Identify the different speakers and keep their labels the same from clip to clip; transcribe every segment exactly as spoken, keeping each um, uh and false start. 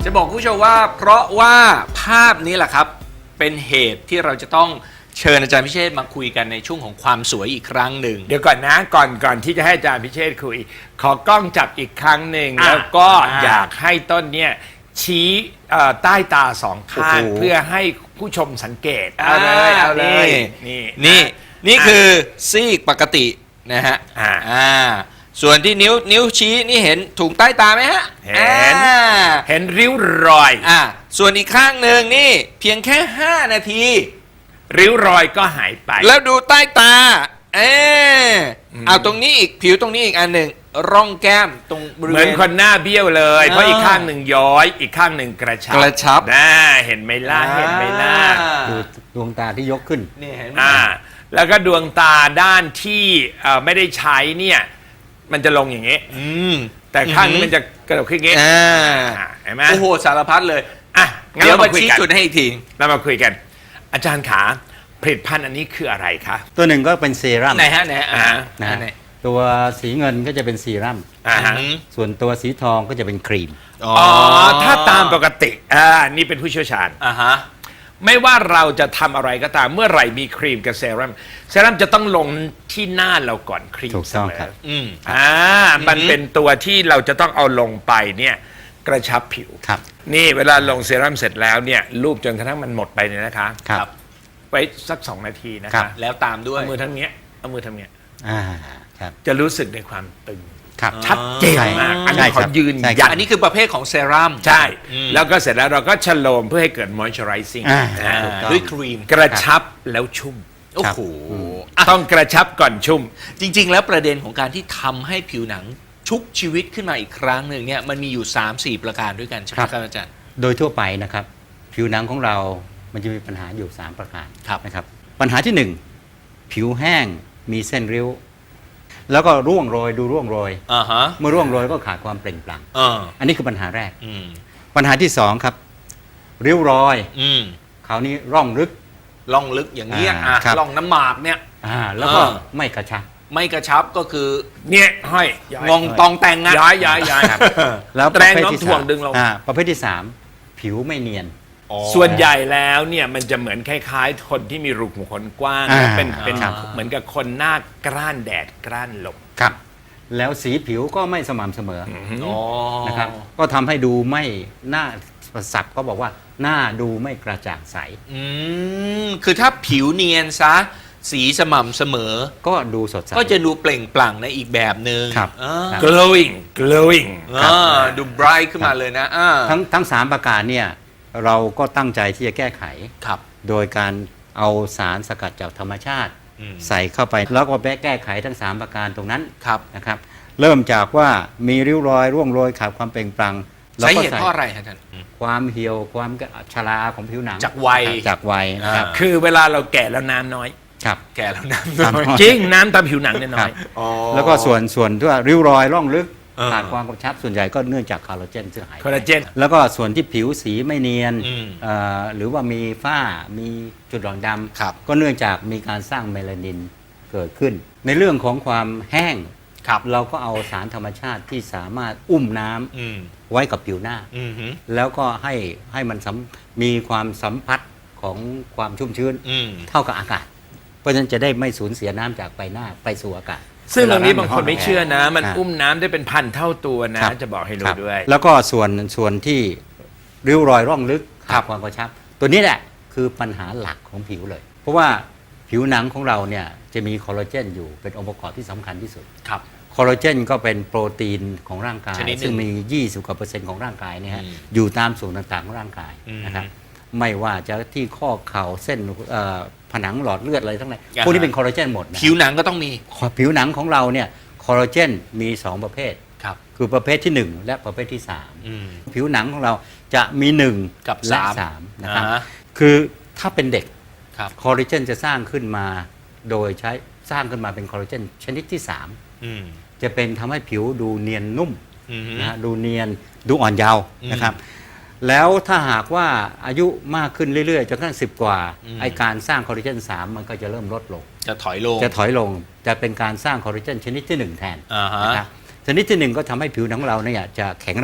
Speaker 1: จะบอกคุณผู้ชมว่าเพราะว่าภาพนี้แหละครับเป็นเหตุที่เราจะต้องเชิญอาจารย์พิเชษมาคุยกันในช่วงของความสวยอีกครั้งหนึ่ง
Speaker 2: เดี๋ยวก่อนนะก่อนก่อนที่จะให้อาจารย์พิเชษคุยขอกล้องจับอีกครั้งหนึ่งแล้วก็อยากให้ต้นเนี่ยชี้ใต้ตาสองข้างเพื่อให้ผู้ชมสังเกตเอาเลยเอาเลยนี่
Speaker 1: นี่นี่คือซีกปกตินะฮะอ่าส่วนที่นิ้วนิ้วชี้นี่เห็นถุงใต้ตาไหมฮะ
Speaker 2: เห็นเห็นริ้วรอย
Speaker 1: อ่าส่วนอีกข้างหนึ่งนี่เพียงแค่ห้านาที
Speaker 2: ริ้วรอยก็หายไป
Speaker 1: แล้วดูใต้ตาเออเอาตรงนี้อีกผิวตรงนี้อีกอันหนึ่งร่องแก้มตรงบริเวณ
Speaker 2: เหมือนคนหน้าเบี้ยวเลยเพราะอีกข้างหนึ่งย้อยอีกข้างหนึ่งกระชับ
Speaker 1: กระชับ
Speaker 2: น่าเห็นไหมล่ะเห็นไหมล่ะ
Speaker 3: ดูดวงตาที่ยกขึ้น
Speaker 1: นี่เห็นไหม
Speaker 2: อ่าแล้วก็ดวงตาด้านที่ไม่ได้ใช้เนี่ยมันจะลงอย่างนี้แต่ข้างนี้มันจะกระโดดขึ้นอย่างนี้เห็นไหม
Speaker 1: โอ้โหสารพัดเลย
Speaker 2: อ่ะ
Speaker 1: เดี๋ยวมาชี้จุดให้อีกที
Speaker 2: เรามาคุยกันอาจารย์ขาผลิตภัณฑ์อันนี้คืออะไรคะ
Speaker 3: ตัวหนึ่งก็เป็นเซรั่ม
Speaker 1: ไหนฮะไหนอ่า
Speaker 3: นะตัวสีเงินก็จะเป็นเซรั่มส่วนตัวสีทองก็จะเป็นครีม
Speaker 2: อ๋อถ้าตามปกติอ่านี่เป็นผู้เชี่ยวชาญ
Speaker 1: อ่าฮะ
Speaker 2: ไม่ว่าเราจะทำอะไรก็ตามเมื่อไหร่มีครีมกับเซรั่มเซรั่มจะต้องลงที่หน้าเราก่อนครีม
Speaker 3: ถูกต้องครับ
Speaker 2: อืมอ่ามันเป็นตัวที่เราจะต้องเอาลงไปเนี่ยกระชับผิว
Speaker 3: ครับ
Speaker 2: นี่เวลาลงเซรั่มเสร็จแล้วเนี่ยรูปจนกระทั่งมันหมดไปเนี่ยนะคะ
Speaker 3: ครับ
Speaker 2: ไว้สักสองนาทีนะคะ
Speaker 1: แล้วตามด้วย
Speaker 2: เอามือทั้งเนี้ยเอามือทั้งเนี้ย
Speaker 3: อ่าครับ
Speaker 2: จะรู้สึกในความตึง
Speaker 3: ครับ
Speaker 2: ชัดเจนมากอันนี้ขอยืนยัน
Speaker 1: อันนี้คือประเภทของเซรั่ม
Speaker 2: ใช่แล้วก็เสร็จแล้วเราก็ชโลมเพื่อให้เกิด moisturizing
Speaker 1: ด้วยครีม
Speaker 2: กระชับแล้วชุ่ม
Speaker 1: โอ้โห
Speaker 2: ต้องกระชับก่อนชุ่ม
Speaker 1: จริงๆแล้วประเด็นของการที่ทำให้ผิวหนังชุบชีวิตขึ้นมาอีกครั้งหนึ่งเนี่ยมันมีอยู่ สามสี่ ประการด้วยกันใช่ไหมครับอาจารย์
Speaker 3: โดยทั่วไปนะครับผิวหนังของเรามันจะมีปัญหาอยู่สามประการนะครับปัญหาที่หนึ่งผิวแห้งมีเส้นริ้วแล้วก็ร่วงโรยดูร่วงโรยเมื่อร่วงโรยก็ขาดความเปล่งปลั่งอันนี้คือปัญหาแรกปัญหาที่สองครับริ้วรอยคราวนี้ร่องลึก
Speaker 1: ร่องลึกอย่างเงี้ยร่องน้ำหมากเนี่ย
Speaker 3: แล้วก็ไม่กระชับ
Speaker 1: ไม่กระชับก็คือ
Speaker 2: เนี่ยห้อย
Speaker 1: งงตองแต่ง
Speaker 2: ย้ายย้ายย้าย
Speaker 3: แล้ว
Speaker 2: แรงน้ำถ่วงดึงลง
Speaker 3: ประเภทที่สามผิวไม่เนียน
Speaker 2: ส่วนใหญ่แล้วเนี่ยมันจะเหมือนคล้ายๆคนที่มีรูขุมขนกว้างเป็นเป็นเหมือนกับคนหน้ากร้านแดดกร้านลม
Speaker 3: ครับแล้วสีผิวก็ไม่สม่ำเสมอนะครับก็ทำให้ดูไม่หน้าศัพท์ก็บอกว่าหน้าดูไม่กระจ่างใส
Speaker 1: อืมคือถ้าผิวเนียนซะสีสม่ำเสมอ
Speaker 3: ก็ดูสดใส
Speaker 1: ก็จะดูเปล่งปลั่งในอีกแบบหนึ่ง
Speaker 2: glowing glowing
Speaker 1: ดู bright ขึ้นมาเลยนะ
Speaker 3: ทั้งทั้งสามประการเนี่ยเราก็ตั้งใจที่จะแก้ไขโดยการเอาสารสกัดจากธรรมชาติใส่เข้าไปแล้วก็แก้ไขทั้งสามประการตรงนั้นนะครับเริ่มจากว่ามีริ้วรอยร่วงโรยขาดความเปล่งปลั่ง
Speaker 1: สาเหตุเพราะอะไรครับท่าน
Speaker 3: ความเหี่ยวความชราของผิวหนัง
Speaker 1: จากวัย
Speaker 3: จากวัยนะครับ
Speaker 2: คือเวลาเราแก่แล้วน้ำน้อย
Speaker 3: ครับ
Speaker 1: แก่แล้วน้ำน้อย
Speaker 2: จริงน้ำตามผิวหนังเนี่ยน้อย
Speaker 3: แล้วก็ส่วนส่วนที่ว่าริ้วรอยร่องลึกขาดความกระชับส่วนใหญ่ก็เนื่องจากคอลลาเจนซึ่งหาย
Speaker 2: คอลลาเจน
Speaker 3: แล้วก็ส่วนที่ผิวสีไม่เนียนหรือว่ามีฝ้ามีจุดด่างดำก็เนื่องจากมีการสร้างเมลานินเกิดขึ้นในเรื่องของความแห้งเราก็เอาสารธรรมชาติที่สามารถอุ้มน้ำไว้กับผิวหน้าแล้วก็ให้ให้มันมีความสัมผัสของความชุ่มชื้นเท่ากับอากาศเพราะฉะนั้นจะได้ไม่สูญเสียน้ำจากใบหน้าไปสู่อากาศ
Speaker 2: ซึ่งตรงนี้บางคนไม่เชื่อนะมันอุ้มน้ำได้เป็นพันเท่าตัวนะจะบอกให้รู้ด้วย
Speaker 3: แล้วก็ส่วนส่วนที่ริ้วรอยร่องลึกขาดความกระชับตัวนี้แหละคือปัญหาหลักของผิวเลยเพราะว่าผิวหนังของเราเนี่ยจะมีคอลลาเจนอยู่เป็นองค์ประกอบที่สำคัญที่สุด
Speaker 1: ครับ
Speaker 3: คอลลาเจนก็เป็นโปรตีนของร่างกายซึ่งมียี่สิบกว่าเปอร์เซ็นต์ของร่างกายเนี่ยอยู่ตามส่วนต่างๆของร่างกายนะครับไม่ว่าจะที่ข้อเข่าเส้นผนังหลอดเลือดอะไรทั้งนั้นพวกนี้เป็นคอลลาเจนหมด
Speaker 1: ผิวหนังก็ต้องมี
Speaker 3: ผิวหนังของเราเนี่ยคอลลาเจนมีสองประเภท
Speaker 1: ครับ
Speaker 3: คือประเภทที่หนึ่งและประเภทที่สามผิวหนังของเราจะมีหนึ่ง
Speaker 1: กับ
Speaker 3: และสามนะครับคือถ้าเป็นเด็กคอลลาเจนจะสร้างขึ้นมาโดยใช้สร้างขึ้นมาเป็นคอลลาเจนชนิดที่สามจะเป็นทำให้ผิวดูเนียนนุ่มนะดูเนียนดูอ่อนเยาว์นะครับแล้วถ้าหากว่าอายุมากขึ้นเรื่อยๆจนกระทั่งสิบกว่าไอการสร้างคอลลาเจนสามมันก็จะเริ่มลดลง
Speaker 1: จะถอยลง
Speaker 3: จะถอยลงจะเป็นการสร้างคอลลาเจนชนิดที่หนึ่งแทนนะครับชนิดที่หนึ่งก็ทำให้ผิวหนังของเราเนี่ยจะแข็งแรง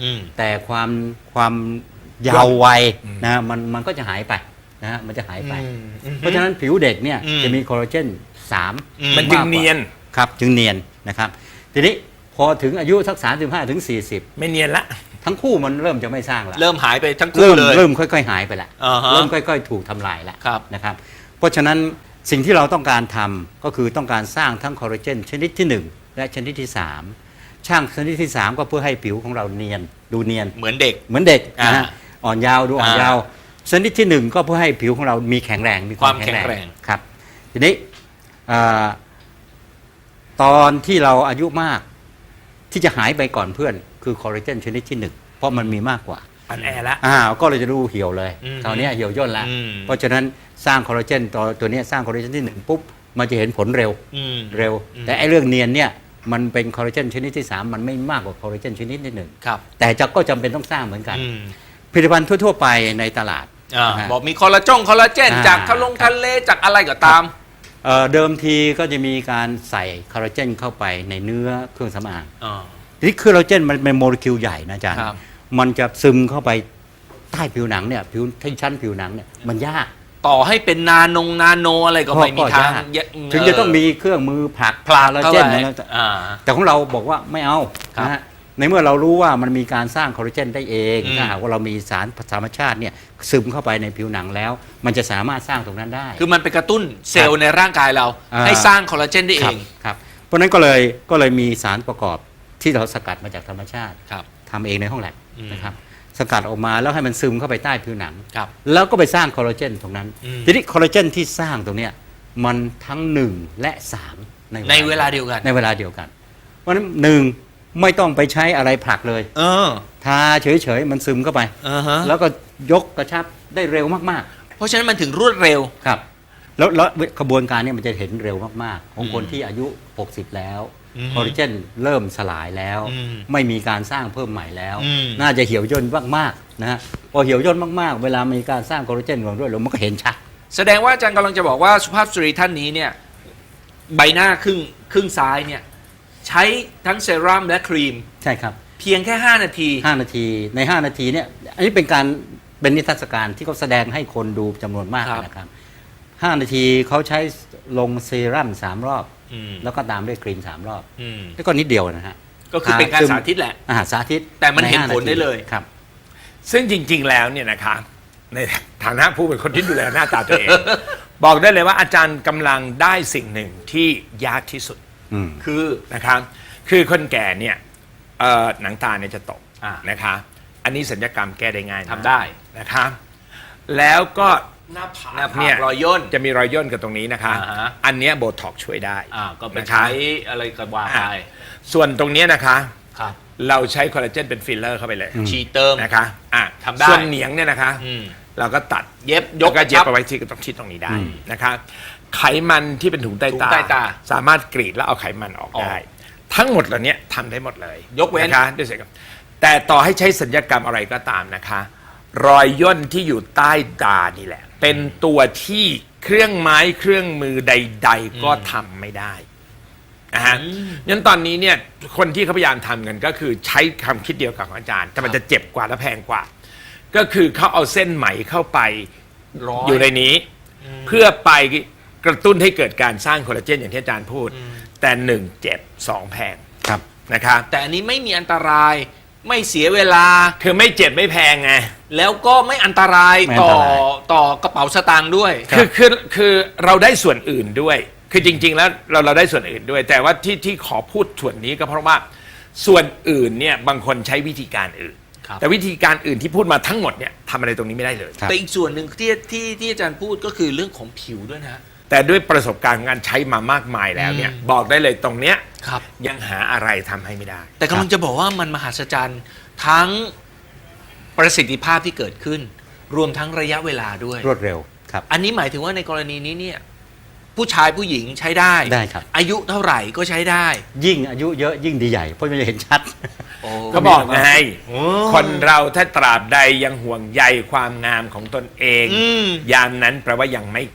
Speaker 1: อืม
Speaker 3: แต่ความความยาววัยนะมันมันก็จะหายไปนะฮะมันจะหายไป
Speaker 1: อืมอืม
Speaker 3: เพราะฉะนั้นผิวเด็กเนี่ย
Speaker 1: อืม
Speaker 3: จะมีคอลลาเจนสาม
Speaker 1: อืม
Speaker 2: มันจึงเนียน
Speaker 3: ครับจึงเนียนนะครับทีนี้พอถึงอายุสักสามสิบห้าถึงสี่สิบ
Speaker 2: ไม่เนียนละ
Speaker 3: ทั้งคู่มันเริ่มจะไม่สร้างละ
Speaker 1: เริ่มหายไปทั้งคู่
Speaker 3: เริ่ม
Speaker 1: เลย
Speaker 3: เริ่มค่อยๆหายไปละ
Speaker 1: อ่าฮะ
Speaker 3: เริ่มค่อยๆถูกทำลายละ
Speaker 1: ครับ
Speaker 3: นะครับเพราะฉะนั้นสิ่งที่เราต้องการทำก็คือต้องการสร้างทั้งคอลลาเจนชนิดที่หนึ่งและชนิดที่สามช่างชนิดที่สามก็เพื่อให้ผิวของเราเนียนดูเนียน
Speaker 1: เหมือนเด็ก
Speaker 3: เหมือนเด็กนะฮะ
Speaker 1: อ่า
Speaker 3: อ่อนยาวดูอ่อน
Speaker 1: อ่าย
Speaker 3: ยาวชนิดที่หนึ่งก็เพื่อให้ผิวของเรามีแข็งแรงมีความ
Speaker 1: ความแข็
Speaker 3: แข็ง
Speaker 1: ง
Speaker 3: แร
Speaker 1: แรง ง
Speaker 3: ครับทีนี้อ่าตอนที่เราอายุมากที่จะหายไปก่อนเพื่อนคือคอลลาเจนชนิดที่หนึ่งเพราะมันมีมากกว่า
Speaker 2: อันแอละ
Speaker 3: อ่าก็เลยจะดูเหี่ยวเลย
Speaker 1: อืม
Speaker 3: คราวนี้เหี่ยวย่นแล้ว
Speaker 1: อืม
Speaker 3: เพราะฉะนั้นสร้างคอลลาเจนตัวตัวเนี้ยสร้างคอลลาเจนที่หนึ่งปุ๊บมันจะเห็นผลเร็ว
Speaker 1: อืม
Speaker 3: เร็ว
Speaker 1: อืม
Speaker 3: แต่ไอ้เรื่องเนียนเนี่ยมันเป็นคอลลาเจนชนิดที่สามมันไม่มากกว่าคอลลาเจนชนิดที่หนึ่ง
Speaker 1: ครับ
Speaker 3: แต่จะก็จำเป็นต้องสร้างเหมือนกัน
Speaker 1: อืม
Speaker 3: ผลิตภัณฑ์ทั่ว ๆ ไปในตลาด
Speaker 1: อ่า
Speaker 3: นะฮะ
Speaker 1: บอกมีคอลลาจงคอลลาเจน
Speaker 3: อ่า
Speaker 1: จากทะลงทะเลจากอะไรก็ตาม
Speaker 3: เอ่อเดิมทีก็จะมีการใส่คอลลาเจนเข้าไปในเนื้อเครื่องสำอาง
Speaker 1: อ่า
Speaker 3: ทีนี้คอลลาเจนมันเป็นโมเลกุลใหญ่นะอาจารย์
Speaker 1: ครับ
Speaker 3: มันจะซึมเข้าไปใต้ผิวหนังเนี่ยผิวที่ชั้นผิวหนังเนี่ยมันยาก
Speaker 1: ต่อให้เป็นนานงนาโนอะไรก็ไม่มีทาง
Speaker 3: ก็ยาก
Speaker 1: เยอะ
Speaker 3: ถึงจะต้องมีเครื่องมือผลัก
Speaker 1: พลา
Speaker 3: คอลลา
Speaker 1: เข้า
Speaker 3: เจน
Speaker 1: ไป
Speaker 3: นะ
Speaker 1: อ่า
Speaker 3: แต่ของเราบอกว่าไม่เอา
Speaker 1: ครับ
Speaker 3: นะฮะในเมื่อเรารู้ว่ามันมีการสร้างคอลลาเจนได้เอง
Speaker 1: อืม
Speaker 3: ถ้าหากว่าเรามีสารธรรมชาติเนี่ยซึมเข้าไปในผิวหนังแล้ว มันจะสามารถสร้างตรงนั้นได้
Speaker 1: คือมันไปกระตุ้นเซลล์ในร่างกายเรา
Speaker 3: อ่า
Speaker 1: ให้สร้างคอลลาเจนได้เอ
Speaker 3: ครับ
Speaker 1: ง
Speaker 3: ครับเพราะฉะนั้นก็เลยก็เลยมีสารประกอบที่เราสกัดมาจากธรรมชาติ
Speaker 1: ครับ
Speaker 3: ทำเองในห้องแลบ
Speaker 1: อืม
Speaker 3: นะครับสกัดออกมาแล้วให้มันซึมเข้าไปใต้ผิวหนัง
Speaker 1: ครับ
Speaker 3: แล้วก็ไปสร้างคอลลาเจนตรงนั้น
Speaker 1: อืม
Speaker 3: ทีนี้คอลลาเจนที่สร้างตรงเนี้ยมันทั้งหนึ่งและสาม
Speaker 1: ในเวลาเดียวกัน
Speaker 3: ในเวลาเดียวกัน เพราะฉะนั้นหนึ่งไม่ต้องไปใช้อะไรผลักเลย
Speaker 1: เออ
Speaker 3: ทาเฉยๆมันซึมเข้าไป
Speaker 1: อ่าฮะ
Speaker 3: แล้วก็ยกกระชับได้เร็วมาก
Speaker 1: เพราะฉะนั้นมันถึงรวดเร็ว
Speaker 3: ๆครับแล้วแล้วกระบวนการเนี้มันจะเห็นเร็วมากๆ ของคน
Speaker 1: อืม
Speaker 3: ที่อายุหกสิบแล้ว
Speaker 1: อืม
Speaker 3: คอลลาเจนเริ่มสลายแล้ว
Speaker 1: อืม
Speaker 3: ไม่มีการสร้างเพิ่มใหม่แล้ว
Speaker 1: อืม
Speaker 3: น่าจะเหี่ยวย่นมากๆนะฮะพอเหี่ยวย่นมากๆ เวลามีการสร้างคอลลาเจนของด้วยแล้วมันก็เห็นชัด
Speaker 1: แสดงว่าอาจารย์กำลังจะบอกว่าสุภาพสตรีท่านนี้เนี่ยใบหน้าครึ่งครึ่งซ้ายเนี่ยใช้ทั้งเซรั่มและครีม
Speaker 3: ใช่ครับ
Speaker 1: เพียงแค่ ห้า นาที
Speaker 3: ห้านาทีใน ห้า นาทีเนี่ยอันนี้เป็นการเป็นนิทรรศการที่เขาแสดงให้คนดูจำนวนมาก
Speaker 1: ครับ
Speaker 3: นะครับห้านาทีเขาใช้ลงเซรั่มสามรอบ
Speaker 1: อืม
Speaker 3: แล้วก็ตามด้วยครีมสามรอบ
Speaker 1: อืม
Speaker 3: แล้วก็นิดเดียวนะฮะ
Speaker 1: ก็คือเป็นการสาธิตแหละ
Speaker 3: อาหารสาธิต
Speaker 1: แต่มันเห็น
Speaker 3: ใา
Speaker 1: ผลได้เลย
Speaker 3: ครับ
Speaker 2: ซึ่งจริง ๆ แล้วเนี่ยนะคะในฐานะผู้เป็นคนที่ดูแลหน้าตาตัวเอง บอกได้เลยว่าอาจารย์กำลังได้สิ่งหนึ่งที่ยากที่สุด
Speaker 3: อืม
Speaker 1: คือ
Speaker 2: นะครับคือคนแก่เนี่ยเอ่อหนังตาเนี่ยจะตก
Speaker 1: อ่า
Speaker 2: นะคะอันนี้สัญญกรรมแก้ได้ง่ายนะ
Speaker 1: ทำได้
Speaker 2: นะคะแล้วก็
Speaker 1: หน้าผาก
Speaker 2: หน้า
Speaker 1: เนี่ยรอยย่น
Speaker 2: จะมีรอยย่นกับตรงนี้นะคะ
Speaker 1: อ่าฮะ
Speaker 2: อันเนี้ยโบท็อกช่วยได้
Speaker 1: อ่าก็ไป
Speaker 2: นะคะ
Speaker 1: ใช้อะไรก็ว่าไป
Speaker 2: อ่าส่วนตรงเนี้ยนะคะ
Speaker 1: ครับ
Speaker 2: เราใช้คอลลาเจนเป็นฟิลเลอร์เข้าไปเลย
Speaker 1: ฉีดเติม
Speaker 2: นะคะอ่ะ
Speaker 1: ทำได้
Speaker 2: ส่วนเหนียงเนี่ยนะคะ
Speaker 1: อืม
Speaker 2: เราก็ตัด
Speaker 1: เย็บย
Speaker 2: ย
Speaker 1: ก
Speaker 2: กก็เย็บ
Speaker 1: ครับ
Speaker 2: เอาไว้ที่ตรงที่ตรงนี้ได้
Speaker 3: อืม
Speaker 2: นะคะไขมันที่เป็นถุงใต้
Speaker 1: ถุง
Speaker 2: ตา
Speaker 1: ใต้ตา
Speaker 2: สามารถกรีดแล้วเอาไขมันออก
Speaker 1: ออก
Speaker 2: ได้ ทั้งหมดเหล่านี้ทำได้หมดเลย
Speaker 1: ยกเว้น
Speaker 2: นะคะด้วยศัลยกรรมแต่ต่อให้ใช้สัญญกรรมอะไรก็ตามนะคะ รอยย่นที่อยู่ใต้ตานี่แหละ เป็นตัวที่เครื่องไม้เครื่องมือใด ๆ ก็ทำไม่ได้นะฮะงั้นตอนนี้เนี่ยคนที่เขาพยายามทำกันก็คือใช้คำคิดเดียวกับของอาจารย์ แต่มันจะเจ็บกว่าและแพงกว่า ก็คือเขาเอาเส้นไหมเข้าไป
Speaker 1: ร้อย
Speaker 2: อยู่ในนี้ เพื่อไปกระตุ้นให้เกิดการสร้างคอลลาเจนอย่างที่อาจารย์พูด แต่หนึ่งเจ็บสองแพง
Speaker 3: ครับ
Speaker 2: นะคะ
Speaker 1: แต่อันนี้ไม่มีอันตรายไม่เสียเวลา
Speaker 2: คือไม่เจ็บไม่แพงไง
Speaker 1: แล้วก็ไม่อันตราย
Speaker 3: ไม่อัน
Speaker 1: ต่อ
Speaker 3: ตราย
Speaker 1: ต่อกระเป๋าสตางค์ด้วย
Speaker 2: คือคือคือเราได้ส่วนอื่นด้วย คือจริง ๆ แล้วเราเราได้ส่วนอื่นด้วย แต่ว่าที่ที่ขอพูดส่วนนี้ก็เพราะว่าส่วนอื่นเนี่ยบางคนใช้วิธีการอื่น
Speaker 1: ครับ
Speaker 2: แต่วิธีการอื่นที่พูดมาทั้งหมดเนี่ยทำอะไรตรงนี้ไม่ได้เลย
Speaker 3: ครับ
Speaker 1: แต่อีกส่วนหนึ่งที่ที่ที่อาจารย์พูดก็คือเรื่องของผิวด้วยนะ
Speaker 2: แต่ด้วยประสบการณ์ของการใช้มามากมายแล้วเนี่ย
Speaker 1: อืม
Speaker 2: บอกได้เลยตรงเนี้ย
Speaker 1: ครับ
Speaker 2: ยังหาอะไรทำให้ไม่ได้
Speaker 1: แต่กำลังจะบอกว่ามันมหัศจรรย์ทั้งประสิทธิภาพที่เกิดขึ้น รวมทั้งระยะเวลาด้วย
Speaker 3: รวดเร็วครับ
Speaker 1: อันนี้หมายถึงว่าในกรณีนี้เนี่ยผู้ชายผู้หญิงใช้ได้
Speaker 3: ได้ครับ
Speaker 1: อายุเท่าไหร่ก็ใช้ได้
Speaker 3: ยิ่งอายุเยอะยิ่งดีใหญ่เพราะมันจะเห็นชัด
Speaker 2: ก็บอกไง
Speaker 1: โอ้
Speaker 2: คนเราถ้าตราบใดยังห่วงใยความงามของตนเอง
Speaker 1: อืม
Speaker 2: ยามนั้นแปลว่ายังไม่แก่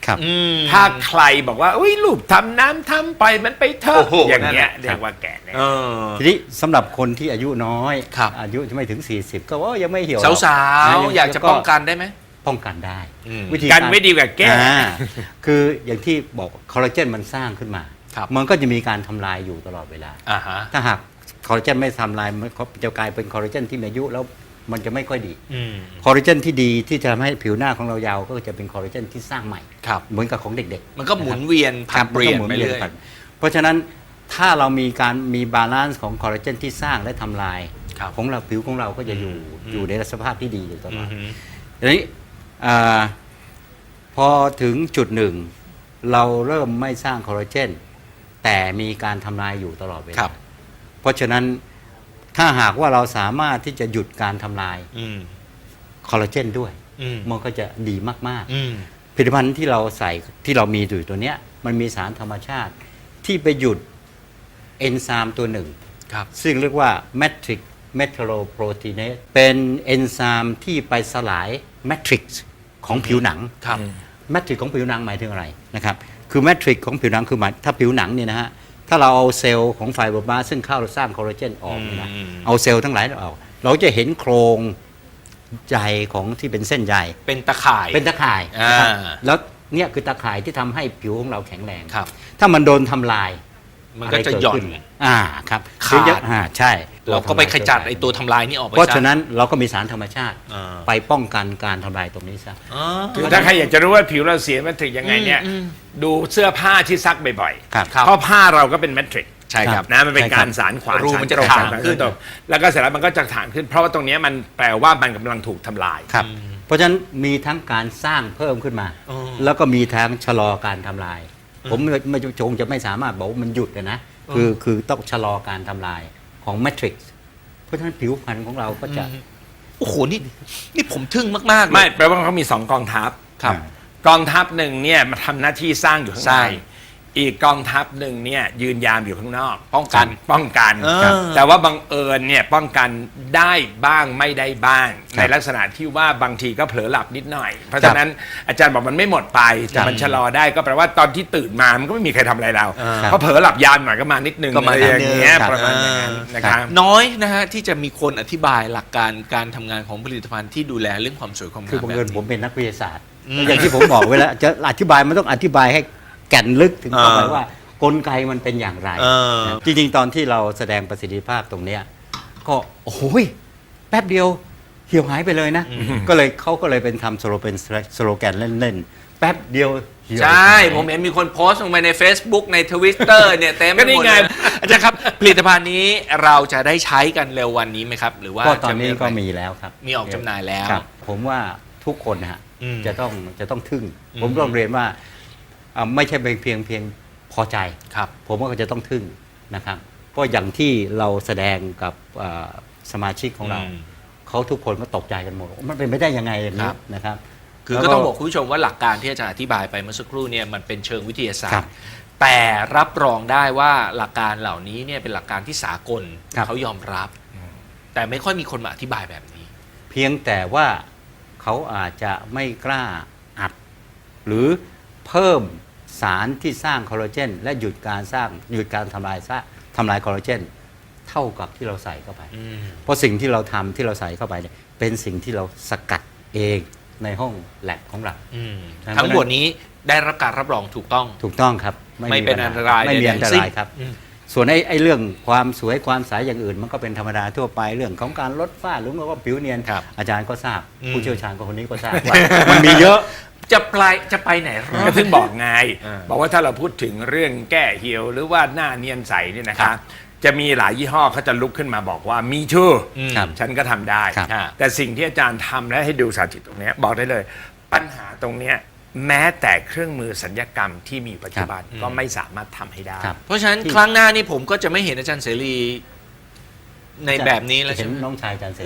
Speaker 3: ครับ
Speaker 1: อืม
Speaker 2: ถ้าใครบอกว่าอุ้ยลูกทำน้ำทำไปมันไปเถอะ
Speaker 1: โอ้โห
Speaker 2: อย่างเงี้ย
Speaker 1: นั่นแหละ
Speaker 2: เรียกว่าแก่แล้ว
Speaker 1: เออ
Speaker 3: ทีนี้สำหรับคนที่อายุน้อย
Speaker 1: ครับ
Speaker 3: อายุไม่ถึง สี่สิบ ก็ว่ายังไม่เหี่ยวหรอก
Speaker 1: สาว
Speaker 3: นะ
Speaker 1: ๆอยากจะป้องกันได้ไหม
Speaker 3: ป้องกันได้
Speaker 1: อืม
Speaker 3: วิธี
Speaker 2: กันไม่ดีกว่าแก้
Speaker 3: อ่าคืออย่างที่บอกคอลลาเจนมันสร้างขึ้นมา
Speaker 1: ครับ
Speaker 3: มันก็จะมีการทำลายอยู่ตลอดเวลา
Speaker 1: อ่าฮะ
Speaker 3: ถ้าหากคอลลาเจนไม่ทำลายมันก็จะกลายเป็นคอลลาเจนที่มีอายุแล้วมันจะไม่ค่อยดี
Speaker 1: อืม
Speaker 3: คอลลาเจนที่ดีที่จะทำให้ผิวหน้าของเรายาวก็จะเป็นคอลลาเจนที่สร้างใหม่
Speaker 1: ครับ
Speaker 3: เหมือนกับของเด็กๆ
Speaker 1: มันก็หมุนเวียนผลัดเปลี่ยน
Speaker 3: ครับ
Speaker 1: ไป
Speaker 3: มันก็หมุ
Speaker 1: เรื่อย
Speaker 3: นวีนเพราะฉะนั้นถ้าเรามีการมีบาลานซ์ของคอลลาเจนที่สร้างและทำลาย
Speaker 1: ครับ
Speaker 3: ของเราผิวของเราก็จะอยู่
Speaker 1: อืม
Speaker 3: อยู่ในสภาพที่ดีอยู่ตล
Speaker 1: อื
Speaker 3: อ
Speaker 1: อ
Speaker 3: ด
Speaker 1: ฮึ
Speaker 3: ทีนี้อ่าพอถึงจุดหนึ่ง เราเริ่มไม่สร้างคอลลาเจนแต่มีการทำลายอยู่ตลอดเว
Speaker 1: ครั
Speaker 3: ลา
Speaker 1: บ
Speaker 3: เพราะฉะนั้นถ้าหากว่าเราสามารถที่จะหยุดการทำลาย
Speaker 1: อืม
Speaker 3: คอลลาเจนด้วย
Speaker 1: อืม
Speaker 3: มันก็จะดีมาก
Speaker 1: อืม
Speaker 3: ๆ ผลิตภัณฑ์ที่เราใส่ที่เรามีอยู่ตัวเนี้ยมันมีสารธรรมชาติที่ไปหยุดเอนไซม์ตัวหนึ่ง
Speaker 1: ครับ
Speaker 3: ซึ่งเรียกว่า matrix metalloproteinase เป็นเอนไซม์ที่ไปสลาย matrix ของผิวหนัง
Speaker 1: ครับ
Speaker 3: แมทริกของผิวหนังหมายถึงอะไรนะครับ คือแมทริกของผิวหนังคือหมายถ้าผิวหนังเนี่ยนะฮะ ถ้าเราเอาเซลล์ของไฟเบอร์บลาสต์ซึ่งเข้าสร้างคอลลาเจนออกเนี่ยนะ
Speaker 1: อืม
Speaker 3: เอาเซลล์ทั้งหลายออก เราจะเห็นโครงใยของที่เป็นเส้นใย
Speaker 1: เป็นตะข่าย
Speaker 3: เป็นตะข่ายนะครับ
Speaker 1: อ่า
Speaker 3: แล้วเนี่ยคือตะข่ายที่ทำให้ผิวของเราแข็งแรง
Speaker 1: ครับ
Speaker 3: ถ้ามันโดนทำลาย
Speaker 1: มันก็จะหย่อน
Speaker 3: ไรเกิดขึ้อ่าครับ
Speaker 1: ขาด
Speaker 3: คืออ่าใช่
Speaker 1: เราก็ไปขจัดไอ้ตัวทำลายนี่ออกไป
Speaker 3: เพราะ
Speaker 1: ซ
Speaker 3: ฉะนั้นเราก็มีสารธรรมชาติ
Speaker 1: อ่า
Speaker 3: ไปป้องกันการทำลายตรงนี้ซะ
Speaker 1: อ๋อ
Speaker 2: คือถ้าใครอยากจะรู้ว่าผิวเราเสียแมทริกยังไงเนี่ย
Speaker 1: อืม
Speaker 2: ดูเสื้อผ้าที่ซักบ่อย
Speaker 3: ครับ
Speaker 2: ๆเพราะผ้าเราก็เป็นแมทริก
Speaker 1: ใช่ครับ
Speaker 2: นะมันเป็น
Speaker 3: ใช่ครับ
Speaker 2: การสารขวาน
Speaker 1: รูมันจะ
Speaker 2: สร
Speaker 1: ถ่าง
Speaker 2: สร
Speaker 1: ขึ้น
Speaker 2: ตกแล้วก็เสร็จแล้วมันก็จะถ่างขึ้น เพราะว่าตรงเนี้ยมันแปลว่ามันกำลังถูกทำลาย
Speaker 3: ครับ เพราะฉะนั้นมีทั้งการสร้างเพิ่มขึ้นมา
Speaker 1: อ๋อ
Speaker 3: แล้วก็มีทั้งชะลอการทำลาย ผมไม่ไม่จงจะไม่สามารถบอกว่ามันหยุดเลยนะ คือคือต้องชะลอการทำลายของแมทริกซ์เพราะฉะนั้นผิวพรรณของเราก็จะ
Speaker 1: โอ้โห นี่ นี่ผมทึ่งมากๆเลย
Speaker 2: ไม่แปลว่าเขามีสองกองทัพ
Speaker 1: ครับ
Speaker 2: กองทัพหนึ่งเนี่ยมาทำหน้าที่สร้างอยู่ข้าง
Speaker 1: ใช่
Speaker 2: ในอีกกองทัพหนึ่งเนี่ยยืนยามอยู่ข้างนอก
Speaker 1: ป้องกัน
Speaker 2: ป้องกัน
Speaker 1: เออ
Speaker 2: ครับแต่ว่าบังเอิญเนี่ยป้องกันได้บ้างไม่ได้บ้าง
Speaker 3: ครับ
Speaker 2: ในลักษณะที่ว่าบางทีก็เผลอหลับนิดหน่อย เพราะฉะนั้นอาจารย์บอกมันไม่หมดไปแต่มันชะลอได้ก็แปลว่าตอนที่ตื่นมามันก็ไม่มีใครทำอะไรเรา
Speaker 1: อ่า
Speaker 2: เพราะเผลอหลับยามหน่อยก็มานิดนึง
Speaker 1: ก็มา
Speaker 2: อะไรอย่างเงี้ย
Speaker 1: นิดนึง
Speaker 2: ประมาณอย่างนั้นนะครับ
Speaker 1: น้อยนะฮะที่จะมีคนอธิบายหลักการการทำงานของผลิตภัณฑ์ที่ดูแลเรื่องความสวยความงาม
Speaker 3: คือบัง
Speaker 1: แบบ
Speaker 3: เอิญ
Speaker 1: นี้
Speaker 3: ผมเป็นนักวิทยาศาสตร์
Speaker 1: อืม
Speaker 3: อย่างที่ผมบอกไว้แล้วจะอธิบายมันต้องอธิบายให้แก่นลึกถึงเข้าไป
Speaker 1: เออ
Speaker 3: ว่ากลไกมันเป็นอย่างไร
Speaker 1: เออ
Speaker 3: นะจริงๆ ตอนที่เราแสดงประสิทธิภาพตรงเนี้ยก็โอ้โหยแป๊บเดียวเหี่ยวหายไปเลยนะ ก็เลยเขาก็เลยเป็นทำสโลเป็นสโลแกนเล่นๆ แป๊บเดียวเหี่ยว
Speaker 1: ใช่
Speaker 3: หาย
Speaker 1: ผมเห็นมีคนโพสต์ลงไปใน Facebook ใน Twitter เนี่ยเต็มไป
Speaker 2: ก็นี่
Speaker 1: หมด
Speaker 2: ไง
Speaker 1: เลยอาจารย์ครับ ผลิตภัณฑ์นี้เราจะได้ใช้กันเร็ววันนี้ไหมครับ หรือว่า
Speaker 3: ก็ตอนนี้
Speaker 1: จะ
Speaker 3: ก็
Speaker 1: อะไร
Speaker 3: มีแล้วครับ
Speaker 1: มีออกจำหน่ายแล้ว
Speaker 3: ครับผมว่าทุกคนนะฮะ
Speaker 1: อืม
Speaker 3: จะต้องจะต้องทึ่ง
Speaker 1: อืม
Speaker 3: ผมต้องเรียนว่าอ่าไม่ใช่เพียงเพียงเพียงพอใจ
Speaker 1: ครับ
Speaker 3: ผมว่าก็จะต้องทึ่งนะครับ เพราะอย่างที่เราแสดงกับอ่าสมาชิกของเรา
Speaker 1: อืม
Speaker 3: เขาทุกคนก็ตกใจกันหมดมันเป็นไม่ได้ยังไงอย่าง
Speaker 1: ค
Speaker 3: นี้
Speaker 1: รับ
Speaker 3: นะครับ
Speaker 1: คือ
Speaker 3: แล้ว
Speaker 1: ก็ต้องบอกคุณผู้ชมว่าหลักการที่อาจารย์อธิบายไปเมื่อสักครู่เนี่ยมันเป็นเชิงวิทยาศาส
Speaker 3: ครั
Speaker 1: ต
Speaker 3: บ
Speaker 1: ร์ แต่รับรองได้ว่าหลักการเหล่านี้เนี่ยเป็นหลักการที่สากล
Speaker 3: ครับ
Speaker 1: เขายอมรับ แต่ไม่ค่อยมีคนมาอธิบายแบบนี้
Speaker 3: เพียงแต่ว่าเขาอาจจะไม่กล้าอัด หรือเพิ่มสารที่สร้างคอลลาเจนและหยุดการสร้างหยุดการทำลายซะทำลายคอลลาเจนเท่ากับที่เราใส่เข้าไป
Speaker 1: อืม
Speaker 3: เพราะสิ่งที่เราทำที่เราใส่เข้าไปเนี่ยเป็นสิ่งที่เราสกัดเองในห้องแลบของเรา
Speaker 1: อืม
Speaker 3: ครับ
Speaker 1: ทั้งหมดนี้ได้รับการรับรองถูกต้อง
Speaker 3: ถูกต้องครับ
Speaker 1: ไม่เป็นอันตราย
Speaker 3: ไม่มี
Speaker 1: ใดๆ
Speaker 3: อันต
Speaker 1: ทั้งสิ้
Speaker 3: ราย
Speaker 1: น
Speaker 3: ครับ
Speaker 1: อืม
Speaker 3: ส่วนไอ้ไอ้เรื่องความสวยความใสอย่างอื่น มันก็เป็นธรรมดาทั่วไปเรื่องของการลดฝ้าหรือว่าผิวเนียน
Speaker 1: ครับ
Speaker 3: อาจารย์ก็ทราบ
Speaker 1: อืม
Speaker 3: ผู้เชี่ยวชาญก็คนนี้ก็ทราบว่า มันมีเยอะ
Speaker 1: จะไปจะไปไหนรอ
Speaker 2: ก็
Speaker 1: ด
Speaker 2: ถึงบอกไง
Speaker 1: อ่า
Speaker 2: บอกว่าถ้าเราพูดถึงเรื่องแก้เหี่ยวหรือว่าหน้าเนียนใสเนี่ยนะ
Speaker 1: ครั
Speaker 2: คะ
Speaker 1: บ
Speaker 2: จะมีหลายยี่ห้อเขาจะลุกขึ้นมาบอกว่ามีชื่ออ
Speaker 1: ม
Speaker 3: ครับ
Speaker 2: ฉันก็ทำได้
Speaker 3: ครับ
Speaker 2: แต่สิ่งที่อาจารย์ทำและให้ดูสาธิตตรงเนี้ยบอกได้เลย ปัญหาตรงเนี้ยแม้แต่เครื่องมือสัญญกรรมที่มีปัจจุบัน
Speaker 1: ครับ
Speaker 2: ก็ไม่สามารถทำให้ได้
Speaker 3: ครับ
Speaker 1: เพราะฉะนั้น
Speaker 3: ที่
Speaker 1: ครั้งหน้านี่ผมก็จะไม่เห็นอาจารย์เสรีในแบบนี้แล้ว
Speaker 3: เห็
Speaker 1: ใช่
Speaker 3: น
Speaker 1: ไหม
Speaker 3: น้องชายอาจารย์เสร็จ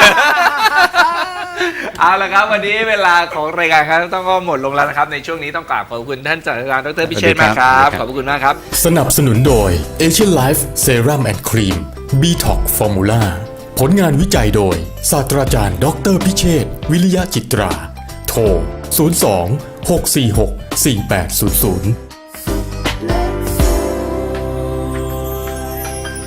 Speaker 1: เอาละครับ วันนี้เวลาของรายการครับต้องก็หมดลงแล้วนะครับ ในช่วงนี้ต้องกราบขอบคุณท่านศาสตราจารย์ดรพิเชษฐ์มากครับ
Speaker 3: สวัสดีครับ
Speaker 1: ขอบคุณมากครับ
Speaker 4: สนับสนุนโดย Asian Life Serum and Cream Detox Formula ผลงานวิจัยโดยศาสตราจารย์ดรพิเชษฐ์วิริยะจิตรา โทร ศูนย์ สอง หก สี่ หกสี่แปดศูนย์ศูนย์